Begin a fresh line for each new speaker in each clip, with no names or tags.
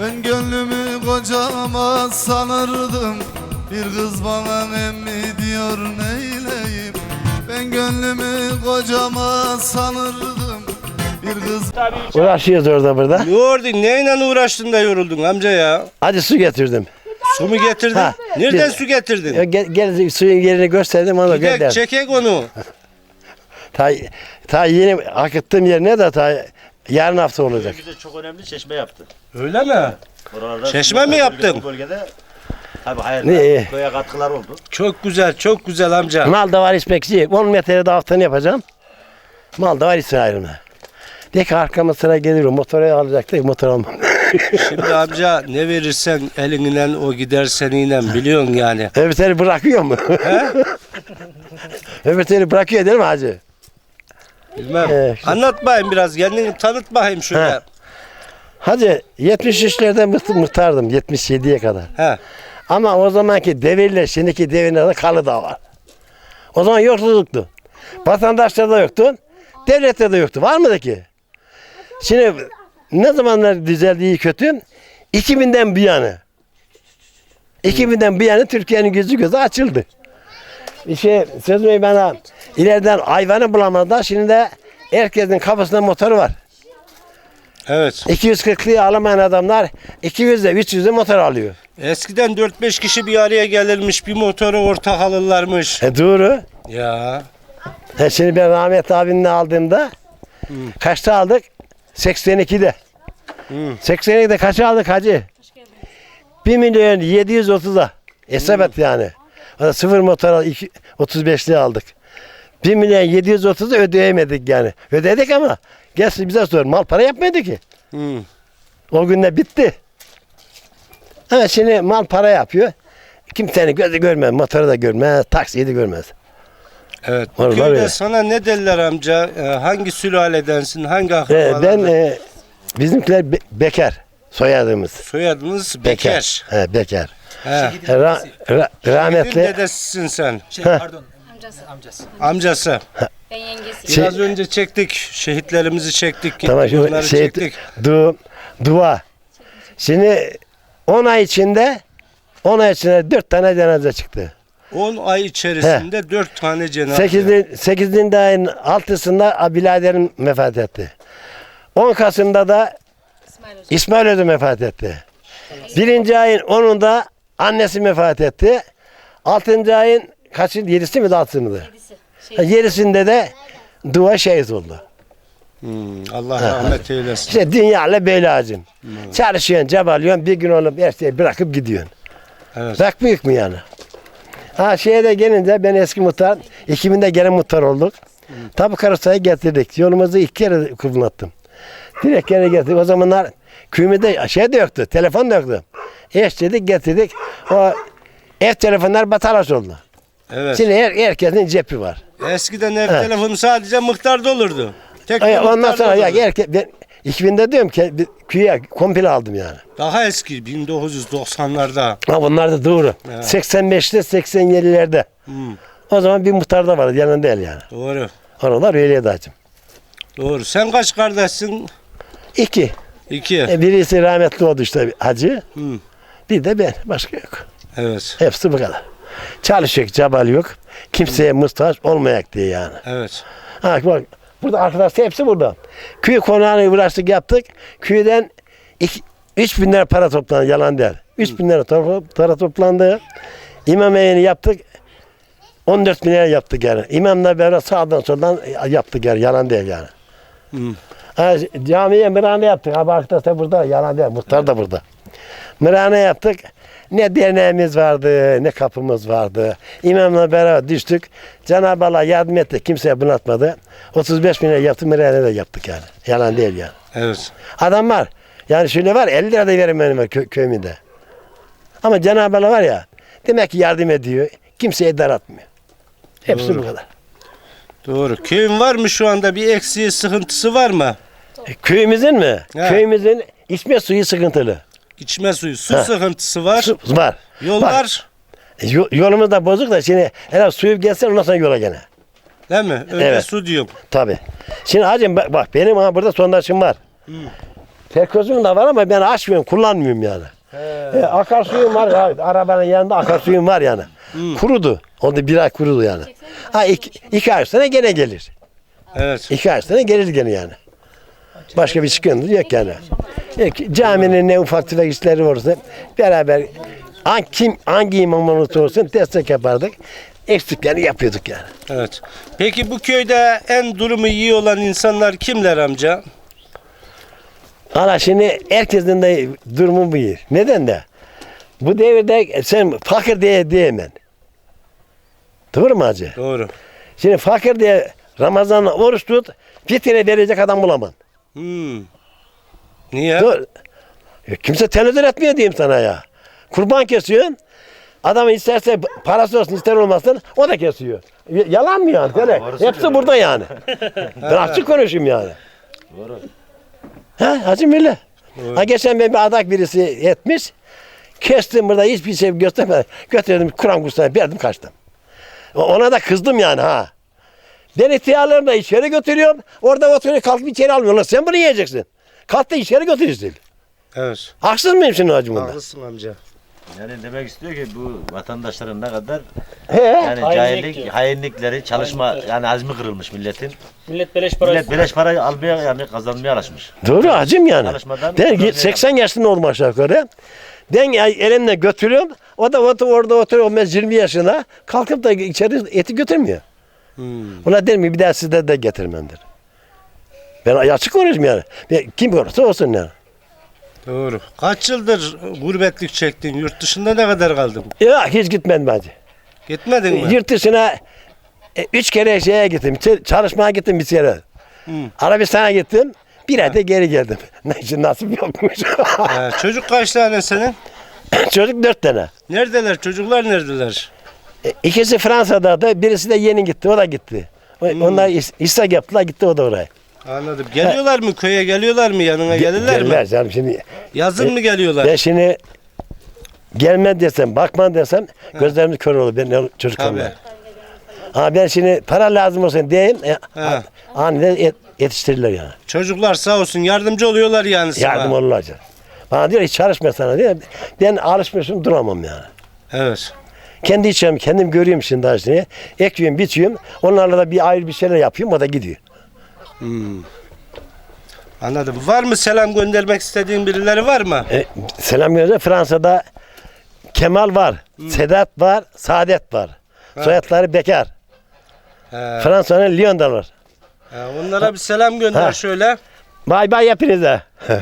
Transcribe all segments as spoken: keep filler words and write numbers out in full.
Ben gönlümü kocama sanırdım, bir kız bana emmi diyor neyleyim. Ben gönlümü kocama sanırdım, bir kız.
Uğraşıyoruz orada burada.
Yordun, neyle uğraştın da yoruldun amca ya?
Hadi su getirdim.
Su mu getirdin?
Ha,
Nereden
bir-
su getirdin?
Ya Gel, gel suyun yerini gösterdim ona
Gidek
gönder.
çekek onu.
Ta, ta yeni akıttığım yerine de ta yarın hafta olacak.
Bize çok önemli çeşme yaptı.
Öyle mi?
Oralarda
Çeşme mi yaptın?
Bu bölgede tabii hayır.
Ne?
Köye katkılar oldu.
Çok güzel, çok güzel amca.
Mal da var ispekçi. on metrede haftanı yapacağım. Mal da var İsrail'ime. De ki arkama sıra geliyor. Motoru alacaktık, motor almam.
Şimdi amca ne verirsen elinden o gider seninle biliyorsun yani.
Öbür teri bırakıyor mu?
He?
Öbür teri bırakıyor değil mi hacı?
Bilmem.
Ee, işte-
Anlat bakayım biraz, kendini tanıt bakayım şöyle.
He. Hacı yetmiş üçlerde mıht- muhtardım yetmiş yediye kadar.
He.
Ama o zamanki devirle şimdiki devirlerde kalı da var. O zaman yoksulluktu. Vatandaşlarda yoktu. Devlette de yoktu. Var mıydı ki? Şimdi ne zamanlar düzeldi iyi kötü? iki binden bir yana. iki binden bir yana Türkiye'nin gözü gözü açıldı. Bir şey sözümü bana ileriden hayvanı bulamadılar. Şimdi de herkesin kafasında motoru var.
Evet.
iki yüz kırklığı alamayan adamlar iki yüzde üç yüzde motor alıyor.
Eskiden dört beş kişi bir araya gelirmiş, bir motoru ortak alırlarmış.
E doğru.
Ya.
E şimdi ben Rahmet abimle aldığımda kaçta aldık? seksen ikide.
Hı.
seksen ikide kaça aldık hacı? bir milyon yedi yüz otuza. Hesap et yani. O da sıfır motor al- iki- otuz beşli aldık. bir milyon yedi yüz otuzu ödeyemedik yani. Ödedik ama gelsin bize sor. Mal para yapmadı ki.
Hı.
O günde bitti. Ama şimdi mal para yapıyor. Kimsenin gözü görmez, motoru da görmez, taksiyi de görmez.
Evet. Bu
Var, var
köyde
ya.
sana ne derler amca? Ee, hangi sülaledensin? Hangi
Ee,
akrabalardan?
ben e, bizimkiler be- bekar soyadımız.
Soyadınız Bekar.
He, bekar.
He.
E, ra- ra-
Rahmetli.
rahmetli
Dedesisin sen.
Şey pardon.
Amcası.
Amcası.
Amcası.
Ben yengesi.
Şey-
Biraz önce çektik. Şehitlerimizi çektik.
tamam şu
Onları
şey
çektik.
du, dua. Şimdi on ay içinde on ay içinde dört tane cenaze çıktı.
on ay içerisinde dört tane cenaze.
Sekizin, sekizinde ayın altısında biraderim vefat etti. on Kasım'da da
İsmail Hoca.
İsmail Hoca vefat etti. Birinci ayın onunda annesi vefat etti. Altıncı ayın kaçın? Yedisi mi de altısı mıydı?
Kedisi.
Ha,
Şey,
Yedisinde de dua şehit oldu.
Hmm, Allah rahmet eylesin.
İşte dünyayla böyle acım. Çalışıyorsun, cabalıyorsun, bir gün olup her şeyi bırakıp gidiyorsun.
Evet.
Bak büyük mü yani? Ha şeye de gelince ben eski muhtar, iki binde gene muhtar olduk. Tabu karısayı getirdik. Yolumuzu iki kere kullandım. Direkt gene getirdik. O zamanlar köyümüzde şey de yoktu, telefon da yoktu. Eş dedik getirdik. O ev telefonlar batalaş oldu.
Evet.
Şimdi her, herkesin cepi var.
Eskiden ev
Evet.
telefonu sadece muhtarda olurdu. Tek
Ay,
bir
ondan
muhtarda
sonra ya
olurdu.
herkes, ben iki binde diyorum ki bir köye komple aldım yani.
Daha eski bin dokuz yüz doksanlarda.
Ha bunlar da doğru.
Evet.
seksen beşte seksen yedilerde.
Hmm,
O zaman bir muhtar da vardı yanında değil yani.
doğru.
Oralar öyleydi hacım.
Doğru. Sen kaç kardeşsin?
İki.
İki.
E, birisi rahmetli oldu işte hacı.
Hmm,
Bir de ben. Başka yok.
evet.
Hepsi bu kadar. Çalışıyor, cabal yok. Kimseye muhtaç olmayak diye yani.
Evet.
Ha, bak, burada arkadaşlar hepsi burada. Köy konağına uğraştık yaptık. Köyden iki, üç bin lira para toplandı. Yalan değil. Üç bin lira to- para toplandı. İmam evini yaptık. on dört bin lira yaptık yani. İmamla beraber sağdan soldan yaptık yani. Yalan değil yani.
Hmm.
Ha, camiye mırhane yaptık. Abi arkadaşlar burada. Yalan değil. Muhtar da burada. Mırhane yaptık. Ne derneğimiz vardı, ne kapımız vardı. İmamla beraber düştük. Cenab-ı Allah yardım etti. Kimseye bunaltmadı. otuz beş bin lira yaptık. Mırhane de yaptık yani. Yalan değil yani.
Evet.
Adam var. Yani şöyle var. elli lira da verin benim kö- köyümde. Ama Cenab-ı Allah var ya. Demek ki yardım ediyor. Kimseye daratmıyor. Hepsi
Doğru.
bu kadar.
Doğru. Köyün var mı şu anda, bir eksiği, sıkıntısı var mı?
E, köyümüzün mü?
He.
Köyümüzün içme suyu sıkıntılı.
İçme suyu, su
Ha.
sıkıntısı var.
Su, var.
Yollar,
E, yo- yolumuz da bozuk da şimdi herhalde suyu gelsin ondan sonra yola gene.
değil mi? Öyle
Evet.
su diyorum.
Tabii. Şimdi hacım bak, bak benim ha burada sondajım var. Terkozum da var ama ben açmıyorum, kullanmıyorum yani. E, akarsuyum var, ya, arabanın yanında akarsuyum var yani. Kurudu. Onda bir ay kurudu yani. Ha iki, iki ay sonra gene gelir.
Evet.
İki ay sonra gelir gene yani. Başka bir sıkıntı yok yani. Yok, caminin ne ufak tefek işleri olursa beraber hangi, kim, hangi imam olursa olsun destek yapardık. Eksiklerini yapıyorduk yani.
Evet. Peki bu köyde en durumu iyi olan insanlar kimler amca?
Valla şimdi herkesin de durumu bu iyi. Neden de? Bu devirde sen fakir diye diyemem. Doğru mu hacı?
Doğru.
Şimdi fakir diye Ramazan'da oruç tut, fitre verecek adam bulamam.
Hmm. Niye?
Doğru. Ya kimse tenezzül etmiyor diyeyim sana ya. Kurban kesiyorsun. Adam isterse parası olsun ister olmasın o da kesiyor. Y- Yalan mı yani? Böyle. Hepsi burada yani. Ben açık konuşayım yani.
Doğru.
Ha hacım öyle. Ha geçen ben bir adak birisi etmiş. Kestim burada hiçbir şey göstermeden. Götürdüm Kur'an kursuna verdim kaçtım. O- Ona da kızdım yani ha. Ben ihtiyarlarımı da içeri götürüyorum. Orada oturuyor kalkıp içeri almıyorlar. Sen bunu yiyeceksin. Kalk da içeri götürürsün.
Evet.
Haksız mıyım şimdi hacım bunda?
Haklısın amca.
Yani demek istiyor ki bu vatandaşların ne kadar
He.
yani
Hainlik
cahillik,
diyor.
hainlikleri, çalışma yani azmi kırılmış milletin.
Millet beleş para
Millet beleş parayı almaya yani kazanmaya alışmış.
Doğru hacım yani.
Çalışmadan
Ben
kazanmaya
seksen yaşında oldum aşağı yukarı. Ben elimle götürüyorum. O da otur, orada oturuyor. Ben yirmi yaşında. Kalkıp da içeri eti götürmüyor.
Hmm.
Ona derim ki bir daha sizde de getirmemdir. Ben açık konuşayım yani. Ben, kim olursa olsun yani.
Doğru. Kaç yıldır gurbetlik çektin? Yurt dışında ne kadar kaldın?
Ya hiç gitmedim hacı.
Gitmedin mi?
Yurt dışına e, üç kere şeye gittim. ç- Çalışmaya gittim bir kere.
Hı.
Arabistan'a gittim. Bir ayda geri geldim. Ne nasip yokmuş.
He, çocuk kaç tane senin?
Çocuk dört tane.
Neredeler? Çocuklar neredeler?
E, İkisi Fransa'da da birisi de yeni gitti. O da gitti. O- Onlar is- İshak yaptılar gitti o da oraya.
Anladım. Geliyorlar mı köye? Geliyorlar mı? Yanına gelirler mi?
Gelmez canım şimdi.
Yazın mı geliyorlar?
Ben şimdi gelmem desem, bakmam desem gözlerimiz kör olur. Ben çocuk
Tabii.
olmam. Ha ben şimdi para lazım olsun diyeyim. E,
He.
aniden et, yetiştirirler yani.
Çocuklar sağ olsun yardımcı oluyorlar yani sana.
Yardım olurlar canım. Bana diyor hiç çalışma sana diyor. Ben alışmışım duramam yani.
Evet.
Kendi içim, kendim görüyorum şimdi aslında. Ekiyorum, biçiyorum. Onlarla da bir ayrı bir şeyler yapıyorum. O da gidiyor.
Hmm. Anladım. Var mı selam göndermek istediğin birileri var mı?
E, selam gönderiyorum. Fransa'da Kemal var, Sedat var, Saadet var. Soyadları Bekar.
He.
Fransa'nın Lyon'dalar.
He, onlara bir selam gönder
Ha.
şöyle.
Bay bay hepinize.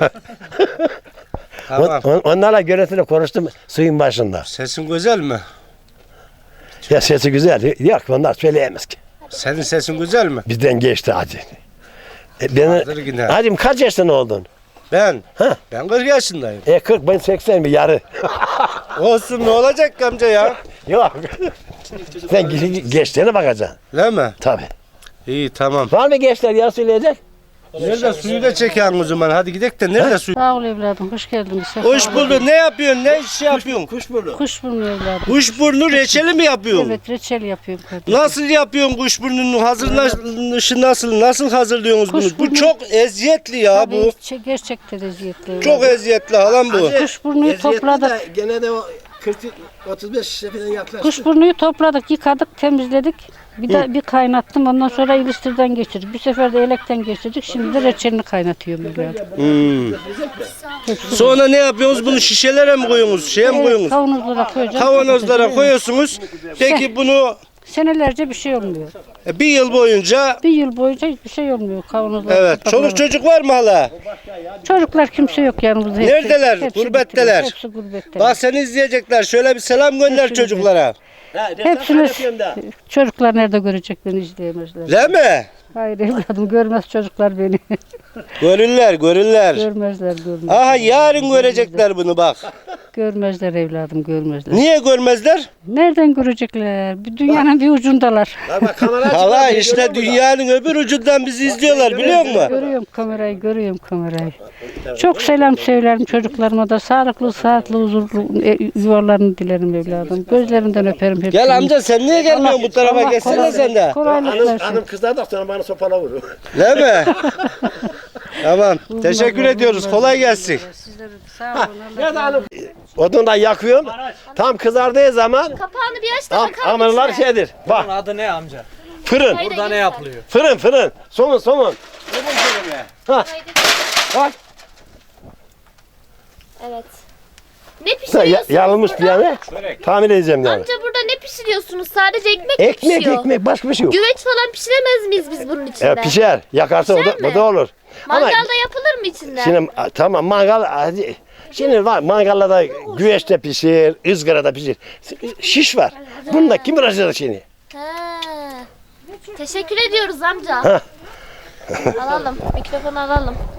Tamam.
On, onlarla görüntülü konuştum suyun başında.
Sesin güzel mi?
Ya sesi güzel. Yok onlar söyleyemez ki.
Senin sesin güzel mi?
Bizden geçti hacı. E, ben,
Vardır yine.
hacım kaç yaşında oldun?
Ben?
Ha?
Ben kırk yaşındayım.
E kırk ben seksen bir yarı.
Olsun ne olacak ki amca ya?
Yok. Sen ge- gençlerine bakacaksın.
Değil mi?
Tabii.
İyi tamam.
Var mı gençler ya söyleyecek?
Nerede suyu da çeken o zaman? Hadi gidelim de nerede suyu?
Sağ ol evladım, hoş geldin.
Hoş bulduk. Ne yapıyorsun? Ne iş yapıyorsun?
Kuşburnu.
Kuşburnu evladım.
Kuşburnu reçeli mi yapıyorsun?
Evet, reçel yapıyorum kardeşim.
Nasıl yapıyorsun kuşburnunun hazırlanışı nasıl? Nasıl hazırlıyorsunuz bunu? Bu
Kuşburnu-
çok eziyetli ya
Tabii,
bu.
çe- gerçekten eziyetli.
Çok eziyetli halam bu.
Kuşburnuyu topladık.
Gene de o kırk otuz beş şişe falan yaklaştı.
Kuşburnuyu topladık, yıkadık, temizledik. Bir de bir kaynattım. Ondan sonra iliştirden geçirdik. Bir sefer de elekten geçirdik. Şimdi de reçelini kaynatıyorum evladım.
Hmm. Sonra ne yapıyorsunuz? Bunu şişelere mi koyuyorsunuz? Şeye mi
Evet,
koyuyorsunuz?
kavanozlara koyacağız.
Kavanozlara
Evet.
koyuyorsunuz. Peki bunu
Senelerce bir şey olmuyor.
e, bir yıl boyunca
Bir yıl boyunca hiçbir şey olmuyor kavanozlara.
evet. Çoluk çocuk var mı hala?
Çocuklar kimse yok yanımızda. Hepsi-
Neredeler?
hepsi
Gurbetteler.
gittiler, Hepsi gurbetteler.
Bak seni izleyecekler. Şöyle bir selam gönder
Hepsi
çocuklara.
Hepsini çocuklar nerede görecek beni izleyemezler.
Değil mi?
Hayır evladım görmez çocuklar beni.
Görürler, görürler.
görmezler görmezler.
Aha yarın görecekler bunu bak.
Görmezler evladım görmezler.
Niye görmezler?
Nereden görecekler? Bir dünyanın bir ucundalar.
Hala işte dünyanın öbür ucundan bizi izliyorlar biliyor musun?
Görüyorum kamerayı, görüyorum kamerayı. Çok selam söylerim çocuklarıma da. Sağlıklı, sağlıklı, huzurlu e, yuvalarını dilerim evladım. Gözlerinden öperim hepsini.
Gel amca sen niye gelmiyorsun bu tarafa?
Allah
Geçsene
kolay-
sen de.
Kolaylık
Hanım,
versin.
hanım kızlar da sonra bana sopala vurur.
Değil mi? Tamam. Teşekkür ediyoruz. Kolay gelsin.
Sizlere de sağ olun. Allah
Odundan yakıyorum. Tam kızardığı zaman
Kapağını bir aç da
am,
bakalım
amırlar
içine.
şeydir. Bak
Bunun adı ne amca?
fırın.
Haydi
Burada ne
gel
yapılıyor?
Fırın fırın. Somun somun.
sen. Haydi.
Bak.
Evet. Ne
Ya,
pişiriyorsunuz
yanılmış bir
burada?
yani. Tahmin edeceğim yani.
Amca burada ne pişiriyorsunuz? Sadece ekmek mi
Ekmek
pişiyor?
ekmek başka bir şey yok.
Güveç falan pişiremez miyiz biz bunun içinde?
E, pişer. Yakarsa o da,
Pişer mi?
o da olur. Ama
Mangalda yapılır mı içinde?
şimdi a, tamam mangal hadi. Şimdi var mangalda da güveçte pişir, ızgarada pişir. Şiş var. Bunda kim uğraşacak şimdi?
Ha. Teşekkür ediyoruz amca.
Ha.
Alalım. Mikrofonu alalım.